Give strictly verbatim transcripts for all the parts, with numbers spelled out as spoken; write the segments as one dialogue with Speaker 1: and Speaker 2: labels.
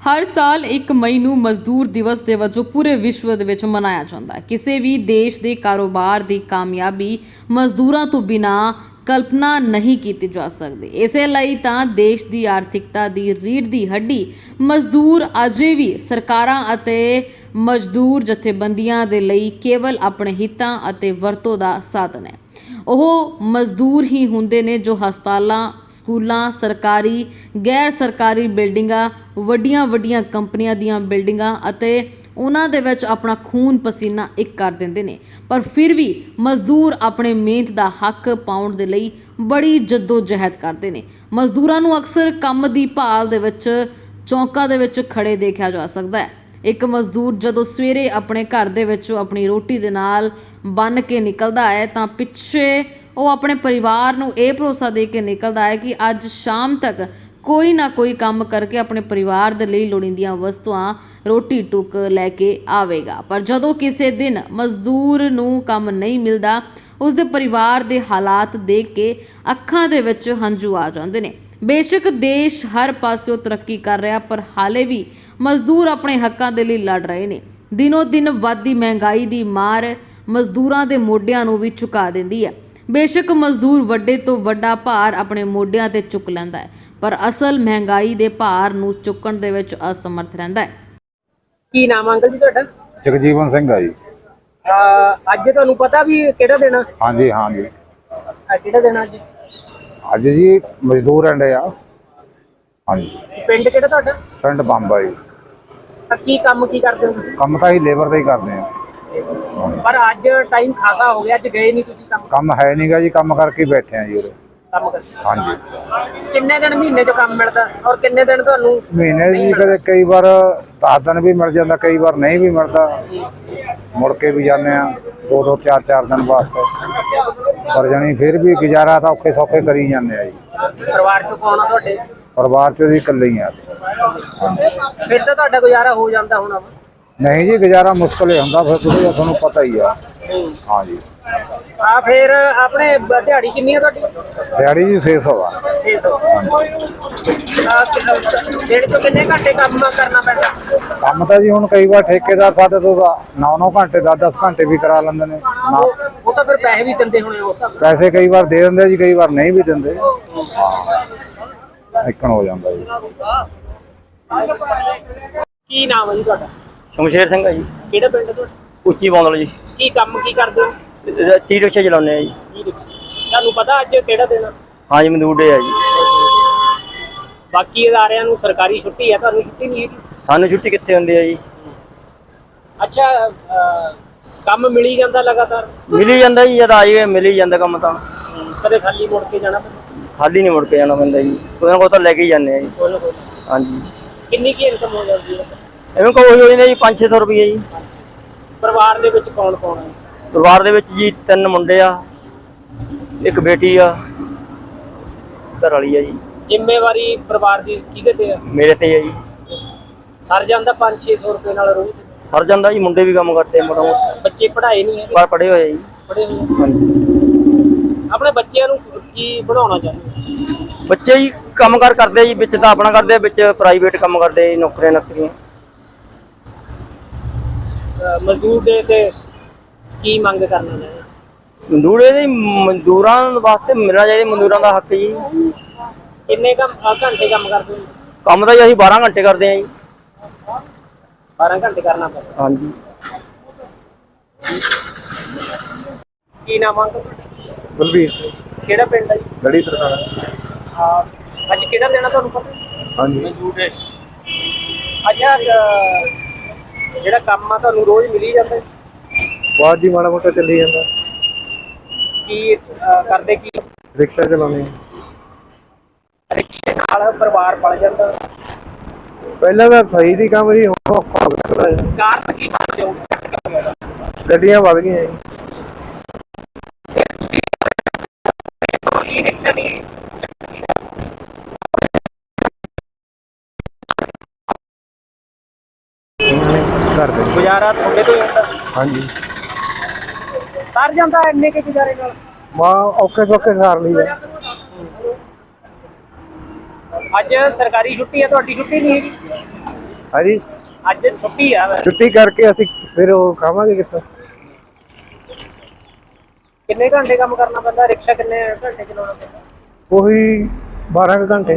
Speaker 1: हर साल एक मई ਨੂੰ ਮਜ਼ਦੂਰ ਦਿਵਸ ਦੇ ਵਜੋਂ ਪੂਰੇ ਵਿਸ਼ਵ ਦੇ ਵਿੱਚ ਮਨਾਇਆ ਜਾਂਦਾ ਹੈ। ਕਿਸੇ ਵੀ ਦੇਸ਼ ਦੇ ਕਾਰੋਬਾਰ ਦੀ ਕਾਮਯਾਬੀ ਮਜ਼ਦੂਰਾਂ ਤੋਂ ਬਿਨਾਂ ਕਲਪਨਾ ਨਹੀਂ ਕੀਤੀ ਜਾ ਸਕਦੀ। ਇਸੇ ਲਈ ਤਾਂ ਦੇਸ਼ ਦੀ ਆਰਥਿਕਤਾ ਦੀ ਰੀੜ੍ਹ ਦੀ ਹੱਡੀ ਮਜ਼ਦੂਰ ਅਜੇ ਵੀ ਸਰਕਾਰਾਂ ਅਤੇ ਮਜ਼ਦੂਰ ਜਥੇਬੰਦੀਆਂ ਦੇ ਲਈ ਕੇਵਲ ਆਪਣੇ ਹਿੱਤਾਂ ਅਤੇ ਵਰਤੋਂ ਦਾ ਸਾਧਨ ਹੈ। ਉਹ ਮਜ਼ਦੂਰ ਹੀ ਹੁੰਦੇ ਨੇ ਜੋ ਹਸਪਤਾਲਾਂ, ਸਕੂਲਾਂ, ਸਰਕਾਰੀ, ਗੈਰ ਸਰਕਾਰੀ ਬਿਲਡਿੰਗਾਂ, ਵੱਡੀਆਂ ਵੱਡੀਆਂ ਕੰਪਨੀਆਂ ਦੀਆਂ ਬਿਲਡਿੰਗਾਂ ਅਤੇ ਉਹਨਾਂ ਦੇ ਵਿੱਚ ਆਪਣਾ ਖੂਨ ਪਸੀਨਾ ਇੱਕ ਕਰ ਦਿੰਦੇ ਨੇ। ਪਰ ਫਿਰ ਵੀ ਮਜ਼ਦੂਰ ਆਪਣੇ ਮਿਹਨਤ ਦਾ ਹੱਕ ਪਾਉਣ ਦੇ ਲਈ ਬੜੀ ਜੱਦੋ ਜਹਿਦ ਕਰਦੇ ਨੇ। ਮਜ਼ਦੂਰਾਂ ਨੂੰ ਅਕਸਰ ਕੰਮ ਦੀ ਭਾਲ ਦੇ ਵਿੱਚ ਚੌਂਕਾਂ ਦੇ ਵਿੱਚ ਖੜੇ ਦੇਖਿਆ ਜਾ ਸਕਦਾ ਹੈ। ਇੱਕ ਮਜ਼ਦੂਰ ਜਦੋਂ ਸਵੇਰੇ ਆਪਣੇ ਘਰ ਦੇ ਵਿੱਚੋਂ ਆਪਣੀ ਰੋਟੀ ਦੇ ਨਾਲ ਬੰਨ ਕੇ ਨਿਕਲਦਾ ਹੈ ਤਾਂ ਪਿੱਛੇ ਉਹ ਆਪਣੇ ਪਰਿਵਾਰ ਨੂੰ ਇਹ ਭਰੋਸਾ ਦੇ ਕੇ ਨਿਕਲਦਾ ਹੈ ਕਿ ਅੱਜ ਸ਼ਾਮ ਤੱਕ ਕੋਈ ਨਾ ਕੋਈ ਕੰਮ ਕਰਕੇ ਆਪਣੇ ਪਰਿਵਾਰ ਦੇ ਲਈ ਲੋੜੀਂਦੀਆਂ ਵਸਤੂਆਂ, ਰੋਟੀ ਟੁੱਕ ਲੈ ਕੇ ਆਵੇਗਾ। ਪਰ ਜਦੋਂ ਕਿਸੇ ਦਿਨ ਮਜ਼ਦੂਰ ਨੂੰ ਕੰਮ ਨਹੀਂ ਮਿਲਦਾ, ਉਸਦੇ ਪਰਿਵਾਰ ਦੇ ਹਾਲਾਤ ਦੇਖ ਕੇ ਅੱਖਾਂ ਦੇ ਵਿੱਚ ਹੰਝੂ ਆ ਜਾਂਦੇ ਨੇ। ਬੇਸ਼ੱਕ ਦੇਸ਼ ਹਰ ਪਾਸਿਓਂ ਤਰੱਕੀ ਕਰ ਰਿਹਾ, ਪਰ ਹਾਲੇ ਵੀ ਮਜ਼ਦੂਰ ਆਪਣੇ ਹੱਕਾਂ ਦੇ ਲਈ ਲੜ ਰਹੇ ਨੇ। ਦਿਨੋ ਦਿਨ ਵੱਧਦੀ ਮਹਿੰਗਾਈ ਦੀ ਮਾਰ ਮਜ਼ਦੂਰਾਂ ਦੇ ਮੋਢਿਆਂ ਨੂੰ ਵੀ ਝੁਕਾ ਦਿੰਦੀ ਹੈ। ਬੇਸ਼ੱਕ ਮਜ਼ਦੂਰ ਵੱਡੇ ਤੋਂ ਵੱਡਾ ਭਾਰ ਆਪਣੇ ਮੋਢਿਆਂ ਤੇ ਚੁੱਕ ਲੈਂਦਾ ਹੈ, ਪਰ ਅਸਲ ਮਹਿੰਗਾਈ ਦੇ ਭਾਰ ਨੂੰ ਚੁੱਕਣ ਦੇ ਵਿੱਚ ਅਸਮਰਥ ਰਹਿੰਦਾ ਹੈ।
Speaker 2: ਕੀ ਨਾਮ ਅੰਕਲ ਜੀ ਤੁਹਾਡਾ?
Speaker 3: ਜਗਜੀਵਨ ਸਿੰਘ ਆ ਜੀ।
Speaker 2: ਅੱਜ ਤੁਹਾਨੂੰ ਪਤਾ ਵੀ ਕਿਹੜਾ ਦਿਨ ਆ?
Speaker 3: ਹਾਂਜੀ ਹਾਂਜੀ
Speaker 2: ਅੱਜ ਕਿਹੜਾ ਦਿਨ ਆ ਅੱਜ?
Speaker 3: ਅੱਜ ਜੀ ਮਜ਼ਦੂਰ ਅੰਡੇ ਆ। ਹਾਂਜੀ।
Speaker 2: ਪਿੰਡ ਕਿਹੜਾ ਤੁਹਾਡਾ?
Speaker 3: ਪਿੰਡ ਬੰਬਾ ਜੀ।
Speaker 2: ਕੀ ਕੰਮ ਕੀ ਕਰਦੇ ਹੋ ਤੁਸੀਂ?
Speaker 3: ਕੰਮ ਤਾਂ ਹੀ ਲੇਬਰ ਦਾ ਹੀ ਕਰਦੇ ਆ।
Speaker 2: ਪਰ ਅੱਜ ਟਾਈਮ ਖਾਸਾ ਹੋ ਗਿਆ, ਅੱਜ ਗਏ ਨਹੀਂ ਤੁਸੀਂ ਕੰਮ?
Speaker 3: ਕੰਮ ਹੈ ਨਹੀਂਗਾ ਜੀ, ਕੰਮ ਕਰਕੇ ਬੈਠੇ ਆ ਜੀ ਉਰੇ।
Speaker 2: ਕੰਮ ਕਰਦੇ?
Speaker 3: ਹਾਂਜੀ।
Speaker 2: ਕਿੰਨੇ ਦਿਨ ਮਹੀਨੇ 'ਚ ਕੰਮ ਮਿਲਦਾ ਔਰ ਕਿੰਨੇ ਦਿਨ ਤੁਹਾਨੂੰ?
Speaker 3: ਮਹੀਨੇ ਜੀ ਕਦੇ ਕਈ ਵਾਰ ਦਸ ਦਿਨ ਵੀ ਮਿਲ ਜਾਂਦਾ, ਕਈ ਵਾਰ ਨਹੀਂ ਵੀ ਮਿਲਦਾ। ਮੁੜ ਕੇ ਵੀ ਜਾਂਦੇ ਆ ਦੋ ਦੋ ਚਾਰ ਚਾਰ ਦਿਨ ਵਾਸਤੇ, ਪਰ ਜਾਣੀ ਫਿਰ ਵੀ ਗੁਜ਼ਾਰਾ ਤਾਂ ਔਖੇ ਸੌਖੇ ਕਰੀ ਜਾਂਦੇ ਆ ਜੀ।
Speaker 2: ਪਰਿਵਾਰ 'ਚ ਕੌਣ ਆ ਤੁਹਾਡੇ?
Speaker 3: ਪਰਿਵਾਰ 'ਚ ਜੀ ਇਕੱਲੇ ਹੀ ਆ।
Speaker 2: ਫਿਰ ਤਾਂ ਤੁਹਾਡਾ ਗੁਜ਼ਾਰਾ ਹੋ ਜਾਂਦਾ ਹੋਣਾ?
Speaker 3: ਨਹੀਂ ਜੀ, ਗੁਜ਼ਾਰਾ ਮੁਸ਼ਕਲ ਹੀ ਹੁੰਦਾ ਫਿਰ, ਤੁਸੀਂ ਤੁਹਾਨੂੰ ਪਤਾ ਹੀ ਆ। ਹਾਂਜੀ।
Speaker 2: ਆ ਫਿਰ ਆਪਣੇ ਦਿਹਾੜੀ ਕਿੰਨੀ ਆ ਤੁਹਾਡੀ?
Speaker 3: ਦਿਹਾੜੀ ਜੀ ਛੇ ਸੌ ਆ।
Speaker 2: ਛੇ ਸੌ। ਡੇਢ ਤੋਂ ਕਿੰਨੇ ਘੰਟੇ ਕੰਮ ਕਰਨਾ ਪੈਂਦਾ?
Speaker 3: ਕੰਮ ਤਾਂ ਜੀ ਹੁਣ ਕਈ ਵਾਰ ਠੇਕੇਦਾਰ ਸਾਡੇ ਤੋਂ ਨੌ ਨੌ ਘੰਟੇ ਦਸ ਦਸ ਘੰਟੇ ਵੀ ਕਰਾ ਲੈਂਦੇ ਨੇ।
Speaker 2: ਉਹ ਤਾਂ ਫਿਰ ਪੈਸੇ ਵੀ ਦਿੰਦੇ ਹੋਣੇ ਉਸ ਹਿਸਾਬ ਨਾਲ?
Speaker 3: ਪੈਸੇ ਕਈ ਵਾਰ ਦੇ ਦਿੰਦੇ ਜੀ, ਕਈ ਵਾਰ ਨਹੀਂ ਵੀ ਦਿੰਦੇ। ਇੱਕਣ ਹੋ ਜਾਂਦਾ ਜੀ।
Speaker 2: ਕੀ ਨਾਮ ਹੈ ਜੀ ਤੁਹਾਡਾ?
Speaker 4: ਸ਼ਮਸ਼ੇਰ ਸਿੰਘ ਹੈ ਜੀ।
Speaker 2: ਕਿਹੜਾ ਪਿੰਡ ਤੁਹਾਡਾ?
Speaker 4: ਉੱਚੀ ਬੌਂਦਲ ਜੀ।
Speaker 2: ਕੀ ਕੰਮ ਕੀ ਕਰਦੇ ਹੋ?
Speaker 4: ਟੀ ਰਿਕਸ਼ਾ ਚਲਾਉਂਦੇ ਆ ਜੀ।
Speaker 2: ਤੁਹਾਨੂੰ ਪਤਾ ਅੱਜ ਕਿਹੜਾ ਦਿਨ?
Speaker 4: ਹਾਂਜੀ, ਮਜ਼ਦੂਰ ਡੇ ਆ ਜੀ।
Speaker 2: ਬਾਕੀ ਅਦਾਰਿਆਂ ਨੂੰ ਸਰਕਾਰੀ ਛੁੱਟੀ ਹੈ, ਤੁਹਾਨੂੰ ਛੁੱਟੀ ਨਹੀਂ ਹੈਗੀ?
Speaker 4: ਸਾਨੂੰ ਛੁੱਟੀ ਕਿੱਥੇ ਹੁੰਦੀ ਹੈ ਜੀ।
Speaker 2: ਅੱਛਾ, ਕੰਮ ਮਿਲੀ ਜਾਂਦਾ ਲਗਾਤਾਰ?
Speaker 4: ਮਿਲੀ ਜਾਂਦਾ ਜੀ, ਜਦ ਆ ਜਾਈਏ ਮਿਲ ਹੀ ਜਾਂਦਾ ਕੰਮ ਤਾਂ।
Speaker 2: ਕਦੇ ਖਾਲੀ ਮੁੜ ਕੇ ਜਾਣਾ ਪੈਂਦਾ?
Speaker 4: ਖਾਲੀ ਨਹੀਂ ਮੁੜ ਕੇ ਜਾਣਾ ਪੈਂਦਾ ਜੀ, ਕੋਈ ਨਾ ਕੋਈ ਤਾਂ ਲੈ ਕੇ ਹੀ ਜਾਂਦੇ ਆ ਜੀ।
Speaker 2: ਕੋਈ ਨਾ ਕੋਈ।
Speaker 4: ਹਾਂਜੀ।
Speaker 2: ਕਿੰਨੀ ਕੀ ਇਨਕਮ ਹੋ ਜਾਂਦੀ ਹੈ?
Speaker 4: ਐਵੇਂ ਕੋਈ ਹੋ ਜਾਂਦੇ ਜੀ ਪੰਜ ਛੇ ਸੌ ਰੁਪਏ ਜੀ।
Speaker 2: ਪਰਿਵਾਰ ਦੇ ਵਿੱਚ ਕੌਣ ਕੌਣ ਹੈ?
Speaker 4: ਪਰਿਵਾਰ ਦੇ ਵਿੱਚ ਜੀ ਤਿੰਨ ਮੁੰਡੇ ਆ, ਇੱਕ ਬੇਟੀ ਆ, ਘਰ ਵਾਲੀ ਆ ਜੀ।
Speaker 2: ਜ਼ਿੰਮੇਵਾਰੀ ਪਰਿਵਾਰ ਦੀ ਕਿਹਦੇ ਤੇ ਹੈ?
Speaker 4: ਮੇਰੇ ਤੇ ਆ ਜੀ।
Speaker 2: ਸਰ ਜਾਂਦਾ ਪੰਜ ਛੇ ਸੌ ਰੁਪਏ ਨਾਲ ਰੋਜ਼?
Speaker 4: ਸਰ ਜਾਂਦਾ ਜੀ, ਮੁੰਡੇ ਵੀ ਕੰਮ ਕਰਦੇ ਮੋਟਾ ਮੋਟਾ।
Speaker 2: ਬੱਚੇ ਪੜ੍ਹਾਏ ਨਹੀਂ ਹੈਗੇ?
Speaker 4: ਪਰ ਪੜ੍ਹੇ ਹੋਏ ਜੀ।
Speaker 2: ਪੜ੍ਹੇ ਹੋਏ?
Speaker 4: ਹਾਂਜੀ।
Speaker 2: ਆਪਣੇ ਬੱਚਿਆਂ ਨੂੰ ਕੀ ਬਣਾਉਣਾ ਚਾਹੁੰਦੇ?
Speaker 4: ਬੱਚੇ ਜੀ ਕੰਮ ਕਾਰ ਕਰਦੇ ਜੀ, ਵਿੱਚ ਤਾਂ ਆਪਣਾ ਕਰਦੇ, ਵਿੱਚ ਪ੍ਰਾਈਵੇਟ ਕੰਮ ਕਰਦੇ ਜੀ, ਨੌਕਰੀਆਂ ਨੌਕਰੀਆਂ।
Speaker 2: ਮਜ਼ਦੂਰ ਦੇ ਤੇ ਕੀ ਮੰਗ ਕਰਨਾ ਚਾਹੀਦਾ?
Speaker 4: ਮਜ਼ਦੂਰ ਇਹਦੇ ਮਜ਼ਦੂਰਾਂ ਵਾਸਤੇ ਮਿਲਣਾ ਚਾਹੀਦਾ, ਮਜ਼ਦੂਰਾਂ ਦਾ ਹੱਕ ਜੀ।
Speaker 2: ਕਿੰਨੇ ਕੰਮ ਘੰਟੇ ਕੰਮ ਕਰਦੇ ਹੋ?
Speaker 4: ਕੰਮ ਤਾਂ ਜੀ ਅਸੀਂ ਬਾਰਾਂ ਘੰਟੇ ਕਰਦੇ ਹਾਂ ਜੀ।
Speaker 2: ਬਾਰਾਂ ਘੰਟੇ ਕਰਨਾ ਪੈਂਦਾ?
Speaker 4: ਹਾਂਜੀ।
Speaker 2: ਕੀ ਨਾਮ ਆ?
Speaker 3: ਬਲਬੀਰ
Speaker 2: ਕਿਹੜਾ ਪਿੰਡ ਹੈ ਜੀ?
Speaker 3: ਲੜੀ ਤਰ੍ਹਾਂ।
Speaker 2: ਹਾਂ, ਅੱਜ ਕਿਹੜਾ ਦਿਨ ਆ ਤੁਹਾਨੂੰ ਪਤਾ?
Speaker 3: ਹਾਂਜੀ।
Speaker 2: ਅੱਛਾ, ਜਿਹੜਾ ਕੰਮ ਆ ਤੁਹਾਨੂੰ ਰੋਜ਼ ਮਿਲੀ ਜਾਂਦਾ?
Speaker 3: ਬਾਅਦ ਜੀ ਮਾੜਾ ਮੋਟਾ ਚੱਲੀ ਜਾਂਦਾ।
Speaker 2: ਕੀ ਕਰਦੇ ਕੀ?
Speaker 3: ਰਿਕਸ਼ਾ ਚਲਾਉਂਦੇ।
Speaker 2: ਰਿਕਸ਼ੇ ਨਾਲ ਪਰਿਵਾਰ ਪਲ ਜਾਂਦਾ?
Speaker 3: ਪਹਿਲਾਂ ਤਾਂ ਸਹੀ ਦੀ ਕੰਮ ਜੀ, ਹੁਣ ਔਖਾ ਹੋ ਗਿਆ।
Speaker 2: ਕਾਰਨ ਕੀ ਮੰਨਦੇ ਹੋ?
Speaker 3: ਗੱਡੀਆਂ ਵੱਧ ਗਈਆਂ ਜੀ।
Speaker 2: ਰਿਕਸ਼ਾ ਨਹੀਂ
Speaker 3: ਕਰਦੇ
Speaker 2: ਗੁਜ਼ਾਰਾ ਤੁਹਾਡੇ ਤੋਂ ਹੀ ਹੁੰਦਾ?
Speaker 3: ਹਾਂਜੀ।
Speaker 2: ਸਰ ਜਾਂਦਾ ਇੰਨੇ ਕੇ ਗੁਜ਼ਾਰੇ ਨਾਲ?
Speaker 3: ਮਾਂ ਔਖੇ ਸੌਖੇ ਸਾਰ ਲਈ ਹੈ।
Speaker 2: ਅੱਜ ਸਰਕਾਰੀ ਛੁੱਟੀ ਹੈ, ਤੁਹਾਡੀ ਛੁੱਟੀ ਨਹੀਂ ਹੈਗੀ?
Speaker 3: ਹਾਂਜੀ
Speaker 2: ਅੱਜ ਛੁੱਟੀ ਆ ਵੈਸੇ।
Speaker 3: ਛੁੱਟੀ ਕਰਕੇ ਅਸੀਂ ਫਿਰ ਉਹ ਖਾਵਾਂਗੇ ਕਿੱਥੋਂ।
Speaker 2: ਕਿੰਨੇ ਘੰਟੇ ਕੰਮ ਕਰਨਾ ਪੈਂਦਾ? ਰਿਕਸ਼ਾ ਕਿੰਨੇ ਘੰਟੇ ਚਲਾਉਣਾ ਪੈਂਦਾ?
Speaker 3: ਉਹੀ ਬਾਰਾਂ ਕੁ ਘੰਟੇ।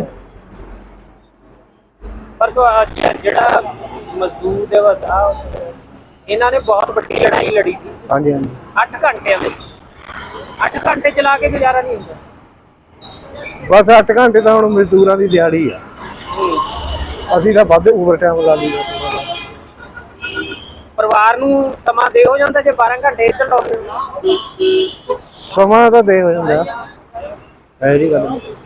Speaker 2: ਪਰ ਤੁਹਾ- ਜਿਹੜਾ ਮਜ਼ਦੂਰ ਦਿਵਸ ਆ ਇਹਨਾਂ ਨੇ ਬਹੁਤ ਵੱਡੀ ਲੜਾਈ ਲੜੀ ਸੀ
Speaker 3: ਹਾਂਜੀ ਹਾਂਜੀ
Speaker 2: ਅੱਠ ਘੰਟਿਆਂ ਵਿੱਚ। ਅੱਠ ਘੰਟੇ ਚਲਾ ਕੇ ਗੁਜ਼ਾਰਾ ਨਹੀਂ ਹੁੰਦਾ।
Speaker 3: ਬਸ ਅੱਠ ਘੰਟੇ ਤਾਂ ਹੁਣ ਮਜ਼ਦੂਰਾਂ ਦੀ ਦਿਹਾੜੀ ਆ। ਅਸੀਂ ਤਾਂ ਵੱਧ ਓਵਰ ਟਾਈਮ ਲਾ ਲਈਦਾ।
Speaker 2: ਪਰਿਵਾਰ ਨੂੰ ਸਮਾਂ ਦੇ ਹੋ ਜਾਂਦਾ ਜੇ ਬਾਰਾਂ ਘੰਟੇ ਇੱਧਰ ਲਾਉਂਦੇ ਹੋ।
Speaker 3: ਸਮਾਂ ਤਾਂ ਦੇ ਹੋ ਜਾਂਦਾ, ਇਹੋ ਜਿਹੀ ਗੱਲ ਨਹੀਂ।